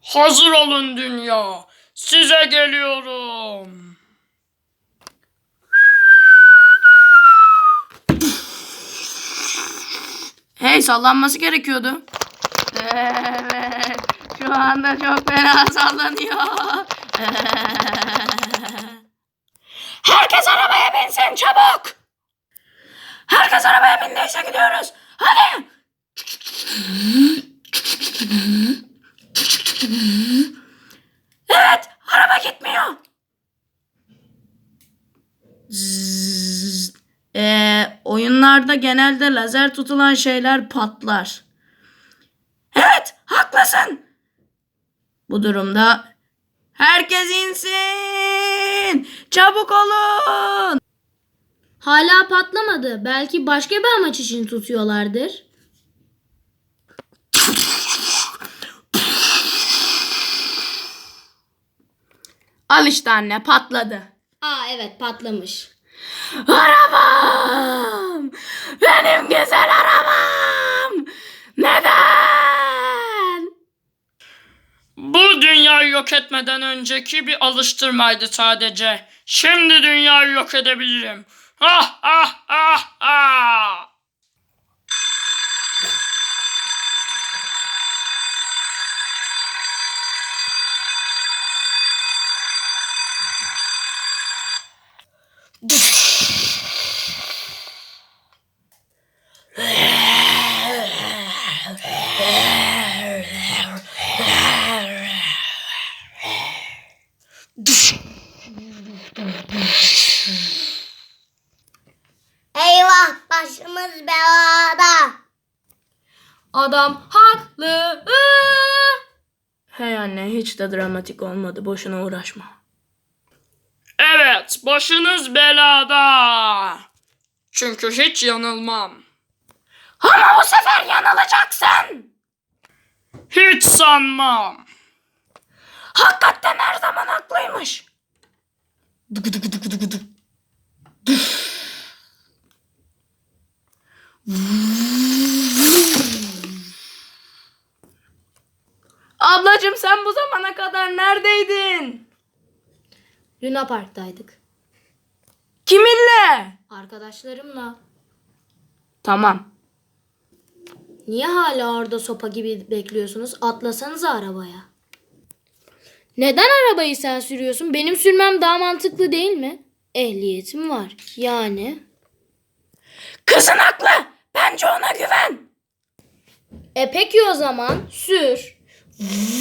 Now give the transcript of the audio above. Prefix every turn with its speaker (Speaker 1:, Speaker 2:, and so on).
Speaker 1: Hazır olun dünya. Size geliyorum.
Speaker 2: Hey, sallanması gerekiyordu. Evet. Şu anda çok fena sallanıyor. Herkes arabaya binsin çabuk. Herkes arabaya bindiyse gidiyoruz. Hadi. Evet, araba gitmiyor. Zzz. Oyunlarda genelde lazer tutulan şeyler patlar. Evet, haklısın. Bu durumda herkes insin. Çabuk olun.
Speaker 3: Hala patlamadı. Belki başka bir amaç için tutuyorlardır.
Speaker 2: Al işte anne, patladı.
Speaker 3: Aa evet patlamış.
Speaker 2: Arabam! Benim güzel arabam! Neden?
Speaker 1: Bu dünyayı yok etmeden önceki bir alıştırmaydı sadece. Şimdi dünyayı yok edebilirim. Ah ah ah ah.
Speaker 4: Eyvah, başımız belada.
Speaker 3: Adam haklı.
Speaker 2: Hey anne, hiç de dramatik olmadı. Boşuna uğraşma.
Speaker 1: Evet, başınız belada. Çünkü hiç yanılmam.
Speaker 2: Ama bu sefer yanılacaksın.
Speaker 1: Hiç sanmam.
Speaker 2: Hakikaten her zaman haklıymış. Ablacığım, sen bu zamana kadar neredeydin?
Speaker 3: Luna Park'taydık.
Speaker 2: Kiminle?
Speaker 3: Arkadaşlarımla.
Speaker 2: Tamam.
Speaker 3: Niye hala orada sopa gibi bekliyorsunuz? Atlasanıza arabaya. Neden arabayı sen sürüyorsun? Benim sürmem daha mantıklı değil mi? Ehliyetim var. Yani.
Speaker 2: Kızın haklı. Bence ona güven.
Speaker 3: Peki o zaman sür.